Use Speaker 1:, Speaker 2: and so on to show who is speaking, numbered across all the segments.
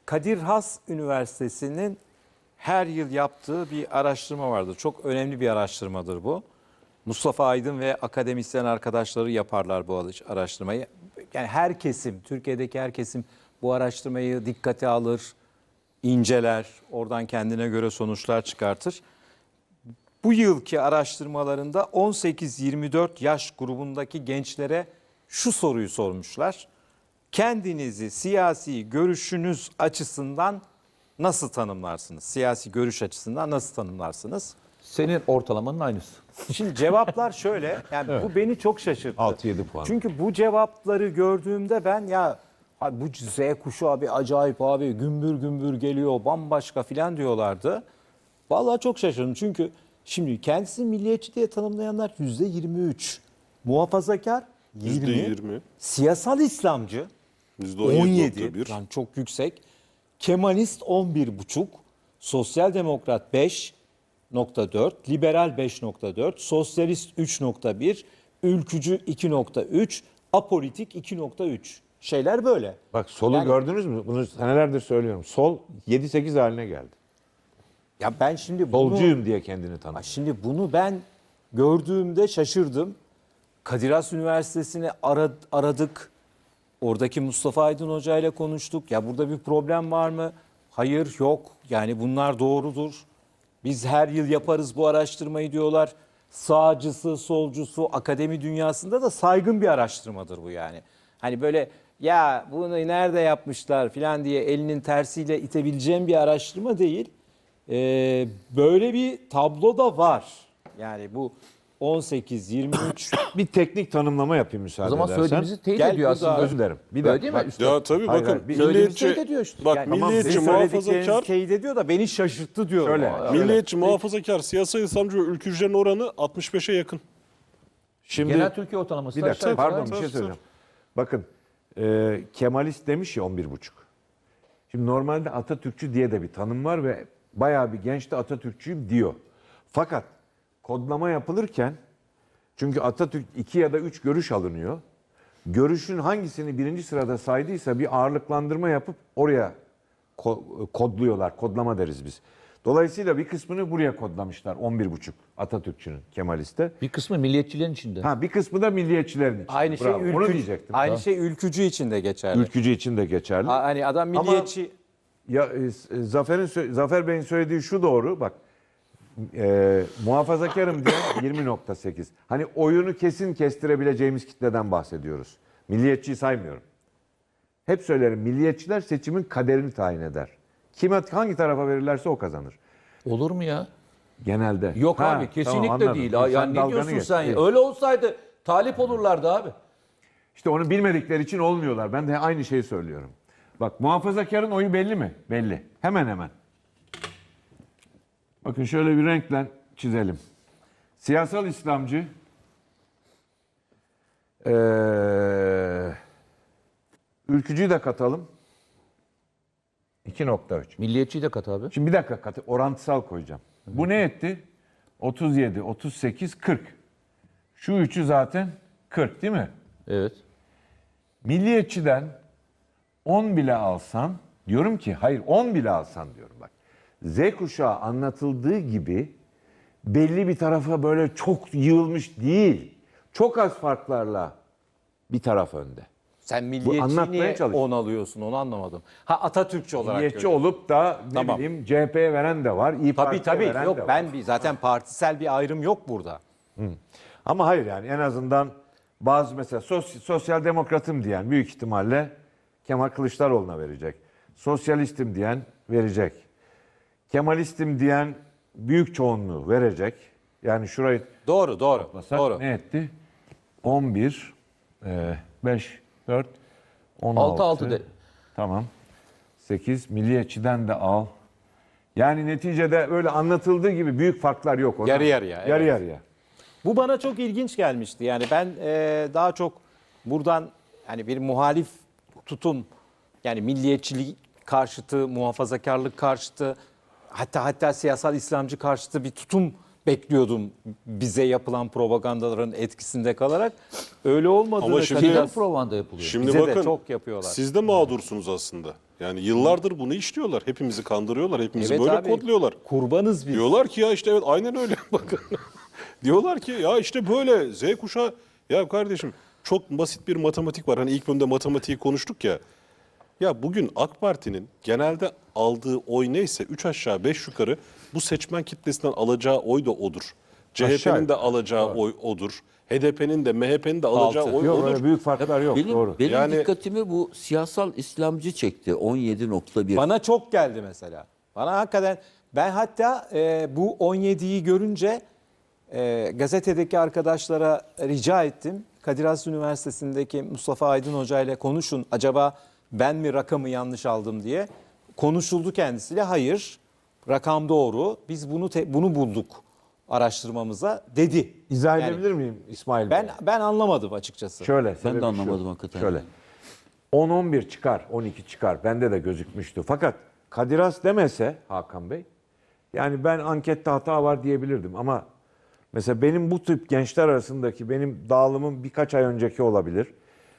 Speaker 1: Kadir Has Üniversitesi'nin her yıl yaptığı bir araştırma vardır. Çok önemli bir araştırmadır bu. Mustafa Aydın ve akademisyen arkadaşları yaparlar bu araştırmayı. Yani her kesim, Türkiye'deki her kesim bu araştırmayı dikkate alır, inceler, oradan kendine göre sonuçlar çıkartır. Bu yılki araştırmalarında 18-24 yaş grubundaki gençlere şu soruyu sormuşlar. Kendinizi siyasi görüşünüz açısından nasıl tanımlarsınız? Siyasi görüş açısından nasıl tanımlarsınız?
Speaker 2: Senin ortalamanın aynısı.
Speaker 1: Şimdi cevaplar şöyle. Yani
Speaker 2: Evet.
Speaker 1: bu beni çok şaşırttı.
Speaker 2: 6-7 puan.
Speaker 1: Çünkü bu cevapları gördüğümde ben ya abi bu Z kuşağı abi acayip abi gümbür gümbür geliyor bambaşka filan diyorlardı. Vallahi çok şaşırdım çünkü şimdi kendisini milliyetçi diye tanımlayanlar %23, muhafazakar 20,
Speaker 3: %20,
Speaker 1: siyasal İslamcı
Speaker 3: %17.1.
Speaker 1: 17, yani çok yüksek, Kemalist 11,5, Sosyal Demokrat 5,4, Liberal 5,4, Sosyalist 3,1, Ülkücü 2,3, Apolitik 2,3. Şeyler böyle.
Speaker 4: Bak solu
Speaker 1: Yani-
Speaker 4: gördünüz mü? Bunu senelerdir söylüyorum. Sol 7-8 haline geldi.
Speaker 1: Ya ben şimdi bunu...
Speaker 4: Solcuyum diye kendini tanıtıyor.
Speaker 1: Şimdi bunu ben gördüğümde şaşırdım. Kadir Has Üniversitesi'ni aradık. Oradaki Mustafa Aydın Hoca ile konuştuk. Ya burada bir problem var mı? Hayır, yok. Yani bunlar doğrudur. Biz her yıl yaparız bu araştırmayı diyorlar. Sağcısı, solcusu, akademi dünyasında da saygın bir araştırmadır bu yani. Hani böyle ya bunu nerede yapmışlar falan diye elinin tersiyle itebileceğim bir araştırma değil. Böyle bir tablo da var. Yani bu 18-23
Speaker 4: Bir teknik tanımlama yapayım müsaade
Speaker 2: O zaman
Speaker 4: edersen.
Speaker 2: söylediğimizi teyit
Speaker 1: Gel
Speaker 2: ediyor
Speaker 1: burada-
Speaker 2: aslında.
Speaker 4: Özür dilerim. Bir
Speaker 2: Öyle
Speaker 4: dakika.
Speaker 2: değil mi?
Speaker 4: Bak,
Speaker 2: Üstad?
Speaker 3: Ya tabii
Speaker 4: Hayır,
Speaker 3: bakın
Speaker 4: hayır.
Speaker 1: söylediğimiz
Speaker 3: milliyetçi,
Speaker 1: şey de diyor işte.
Speaker 3: bak
Speaker 1: Yani
Speaker 3: milliyetçi
Speaker 1: sizin söyledikleriniz
Speaker 3: muhafazakar,
Speaker 1: teyit ediyor da beni şaşırttı diyor.
Speaker 4: Şöyle,
Speaker 3: milliyetçi muhafazakar, siyasal İslamcı ve ülkücülerin oranı 65'e yakın.
Speaker 4: Şimdi
Speaker 2: Genel Türkiye ortalaması.
Speaker 4: bir dakika
Speaker 2: aşağı yukarı
Speaker 4: pardon
Speaker 2: aynı.
Speaker 4: bir şey
Speaker 3: Tabii,
Speaker 4: söyleyeceğim. Bakın Kemalist demiş ya 11,5. Şimdi normalde Atatürkçü diye de bir tanım var ve bayağı bir genç de Atatürkçüyüm diyor. Fakat kodlama yapılırken çünkü Atatürk 2 ya da 3 görüş alınıyor. Görüşün hangisini birinci sırada saydıysa bir ağırlıklandırma yapıp oraya kodluyorlar. Kodlama deriz biz. Dolayısıyla bir kısmını buraya kodlamışlar 11,5 Atatürkçünün Kemalist'te.
Speaker 2: Bir kısmı milliyetçilerin içinde.
Speaker 4: Ha bir kısmı da milliyetçilerin için.
Speaker 1: Aynı şey
Speaker 4: Bravo, onu
Speaker 1: ülkücü,
Speaker 4: diyecektim.
Speaker 1: aynı şey ülkücü için de geçerli.
Speaker 4: Ülkücü için de geçerli.
Speaker 1: Hani adam milliyetçi
Speaker 4: Ya Zafer Bey'in söylediği şu doğru. Bak muhafazakarım diyen 20,8. Hani oyunu kesin kestirebileceğimiz kitleden bahsediyoruz. Milliyetçiyi saymıyorum. Hep söylerim milliyetçiler seçimin kaderini tayin eder. Kime hangi tarafa verirlerse o kazanır.
Speaker 2: Olur mu ya?
Speaker 4: Genelde.
Speaker 2: Yok
Speaker 4: Ha,
Speaker 2: abi kesinlikle
Speaker 4: tamam, anladım.
Speaker 2: değil.
Speaker 4: Sen
Speaker 2: Yani ne
Speaker 4: dalganı
Speaker 2: diyorsun
Speaker 4: geç.
Speaker 2: sen ya?
Speaker 4: İyi.
Speaker 2: Öyle olsaydı talip olurlardı abi.
Speaker 4: İşte onu bilmedikleri için olmuyorlar. Ben de aynı şeyi söylüyorum. Bak muhafazakarın oyu belli mi? Belli. Hemen hemen. Bakın şöyle bir renkle çizelim. Siyasal İslamcı ülkücüyü de katalım. 2,3.
Speaker 2: Milliyetçiyi de kat abi.
Speaker 4: Şimdi bir dakika orantısal koyacağım. Bu ne etti? 37, 38, 40. Şu üçü zaten 40 değil mi?
Speaker 2: Evet.
Speaker 4: Milliyetçiden 10 bile alsan, diyorum ki hayır 10 bile alsan diyorum bak. Z kuşağı anlatıldığı gibi belli bir tarafa böyle çok yığılmış değil. Çok az farklarla bir taraf önde.
Speaker 1: sen
Speaker 4: anlatmaya
Speaker 1: milliyetçi niye
Speaker 4: çalış.
Speaker 1: 10 alıyorsun onu anlamadım. Ha Atatürkçü olarak
Speaker 4: Milliyetçi
Speaker 1: görüyorsun.
Speaker 4: olup da ne
Speaker 1: Tamam.
Speaker 4: bileyim CHP'ye veren de var, İYİ
Speaker 1: Tabii
Speaker 4: Parti'ye veren
Speaker 1: yok
Speaker 4: de var.
Speaker 1: ben zaten partisel bir ayrım yok burada.
Speaker 4: Ama hayır yani en azından bazı mesela sosyal demokratım diyen büyük ihtimalle Kemal Kılıçdaroğlu'na verecek. Sosyalistim diyen verecek. Kemalistim diyen büyük çoğunluğu verecek. Yani şurayı
Speaker 1: Doğru.
Speaker 4: toplasak ne etti? 11, 5, 4, 16.
Speaker 2: 6 de.
Speaker 4: Tamam. 8, milliyetçiden de al. Yani neticede öyle anlatıldığı gibi büyük farklar yok.
Speaker 1: Yarı yarıya,
Speaker 4: Yarı
Speaker 1: evet.
Speaker 4: yarıya.
Speaker 1: Bu bana çok ilginç gelmişti. Yani ben daha çok buradan hani bir muhalif tutum yani milliyetçilik karşıtı, muhafazakarlık karşıtı hatta siyasal İslamcı karşıtı bir tutum bekliyordum bize yapılan propagandaların etkisinde kalarak. Öyle olmadı.
Speaker 3: Ama
Speaker 1: da
Speaker 3: şimdi-
Speaker 1: Kadir
Speaker 2: Kimden
Speaker 1: Has
Speaker 2: propaganda yapılıyor?
Speaker 3: Şimdi
Speaker 1: bize de
Speaker 3: bakın
Speaker 1: çok yapıyorlar.
Speaker 3: siz de mağdursunuz aslında. Yani yıllardır bunu işliyorlar. Hepimizi kandırıyorlar. Hepimizi
Speaker 1: Evet
Speaker 3: böyle
Speaker 1: abi,
Speaker 3: kodluyorlar.
Speaker 1: Kurbanız biz.
Speaker 3: Diyorlar ki ya işte evet aynen öyle. Bakın. Diyorlar ki ya işte böyle Z kuşağı. Ya kardeşim çok basit bir matematik var. Hani ilk bölümde matematiği konuştuk ya. Ya bugün AK Parti'nin genelde aldığı oy neyse 3 aşağı 5 yukarı bu seçmen kitlesinden alacağı oy da odur. CHP'nin de alacağı oy odur. HDP'nin de MHP'nin de alacağı
Speaker 1: Altı.
Speaker 3: oy
Speaker 4: Yok
Speaker 3: odur.
Speaker 4: öyle büyük farklar yok. Doğru.
Speaker 5: Benim
Speaker 3: Yani-
Speaker 5: dikkatimi bu siyasal İslamcı çekti. 17.1.
Speaker 1: Bana çok geldi mesela. Bana hakikaten ben hatta bu 17'yi görünce gazetedeki arkadaşlara rica ettim. Kadir Has Üniversitesi'ndeki Mustafa Aydın Hoca ile konuşun. Acaba ben mi rakamı yanlış aldım diye. Konuşuldu kendisiyle. Hayır, rakam doğru. Biz bunu bulduk araştırmamıza dedi.
Speaker 4: İzah
Speaker 1: Yani
Speaker 4: edebilir miyim İsmail Bey?
Speaker 1: ben anlamadım açıkçası.
Speaker 4: Şöyle.
Speaker 5: Ben
Speaker 4: sebebi
Speaker 5: de
Speaker 4: şu.
Speaker 5: anlamadım hakikaten.
Speaker 4: Şöyle. 10-11 çıkar, 12 çıkar. Bende de gözükmüştü. Fakat Kadir Has demese Hakan Bey, yani ben ankette hata var diyebilirdim. Ama mesela benim bu tip gençler arasındaki benim dağılımım birkaç ay önceki olabilir.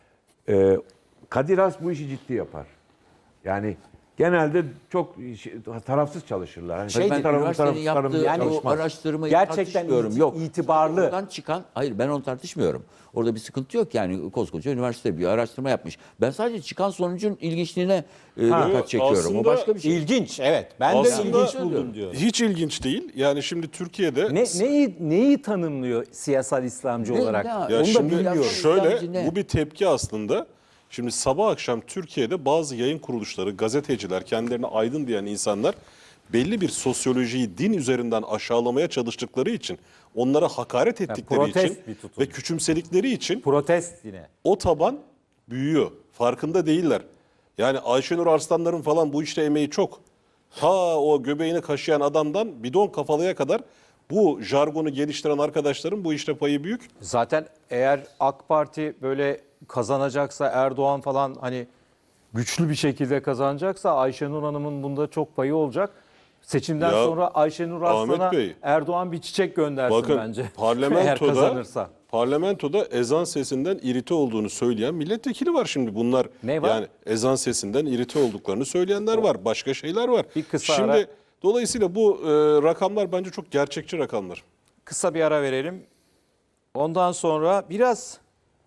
Speaker 4: Kadir Has bu işi ciddi yapar. Yani genelde çok tarafsız çalışırlar. Hani
Speaker 5: Ben
Speaker 4: tarafım,
Speaker 5: üniversitenin yaptığı
Speaker 1: yani
Speaker 5: o
Speaker 4: çalışmaz.
Speaker 5: araştırmayı
Speaker 1: Gerçekten
Speaker 5: tartışmıyorum. Yok.
Speaker 1: itibarlı.
Speaker 5: Oradan çıkan, hayır ben onu tartışmıyorum. Orada bir sıkıntı yok yani koskoca üniversite bir araştırma yapmış. Ben sadece çıkan sonucun ilginçliğine dikkat çekiyorum.
Speaker 3: aslında
Speaker 5: O başka bir şey.
Speaker 1: İlginç, evet. Ben de
Speaker 3: Aslında
Speaker 1: ilginç buldum diyor.
Speaker 3: hiç ilginç değil. Yani şimdi Türkiye'de
Speaker 1: Neyi tanımlıyor siyasal İslamcı
Speaker 5: Ne-
Speaker 1: olarak?
Speaker 5: ne-
Speaker 3: ya
Speaker 5: Onu da
Speaker 3: şimdi
Speaker 5: bilmiyorum.
Speaker 3: şöyle
Speaker 5: İslamcı ne?
Speaker 3: bu bir tepki aslında. Şimdi sabah akşam Türkiye'de bazı yayın kuruluşları, gazeteciler, kendilerine aydın diyen insanlar belli bir sosyolojiyi din üzerinden aşağılamaya çalıştıkları için, onlara hakaret ettikleri
Speaker 1: protest
Speaker 3: için
Speaker 1: bir tutum.
Speaker 3: ve küçümsedikleri için
Speaker 1: Protest yine.
Speaker 3: o taban büyüyor. Farkında değiller. Yani Ayşenur Arslanların falan bu işte emeği çok. Ta o göbeğini kaşıyan adamdan bidon kafalıya kadar bu jargonu geliştiren arkadaşların bu işte payı büyük.
Speaker 1: Zaten eğer AK Parti böyle kazanacaksa, Erdoğan falan hani güçlü bir şekilde kazanacaksa Ayşenur Hanım'ın bunda çok payı olacak. Seçimden
Speaker 3: Ya,
Speaker 1: sonra Ayşenur
Speaker 3: Ahmet
Speaker 1: Arslan'a
Speaker 3: Bey,
Speaker 1: Erdoğan bir çiçek göndersin
Speaker 3: bakın
Speaker 1: bence. Eğer
Speaker 3: parlamentoda
Speaker 1: kazanırsa.
Speaker 3: ezan sesinden irite olduğunu söyleyen milletvekili var şimdi. Bunlar
Speaker 1: Ne var?
Speaker 3: yani ezan sesinden irite olduklarını söyleyenler var. Başka şeyler var.
Speaker 1: Bir kısa
Speaker 3: şimdi
Speaker 1: ara.
Speaker 3: dolayısıyla bu rakamlar bence çok gerçekçi rakamlar.
Speaker 1: Kısa bir ara verelim. Ondan sonra biraz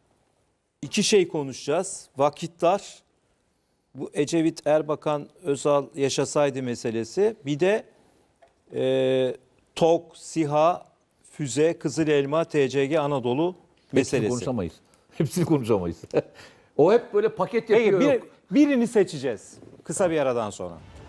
Speaker 1: iki şey konuşacağız. Vakit dar. Bu Ecevit, Erbakan, Özal yaşasaydı meselesi. Bir de TOK, SİHA, Füze, Kızıl Elma, TCG, Anadolu
Speaker 2: Hepsini
Speaker 1: meselesi.
Speaker 2: konuşamayız. Hepsini konuşamayız. O hep böyle paket
Speaker 1: Peki
Speaker 2: yapıyor. yok.
Speaker 1: birini seçeceğiz. Kısa bir aradan sonra.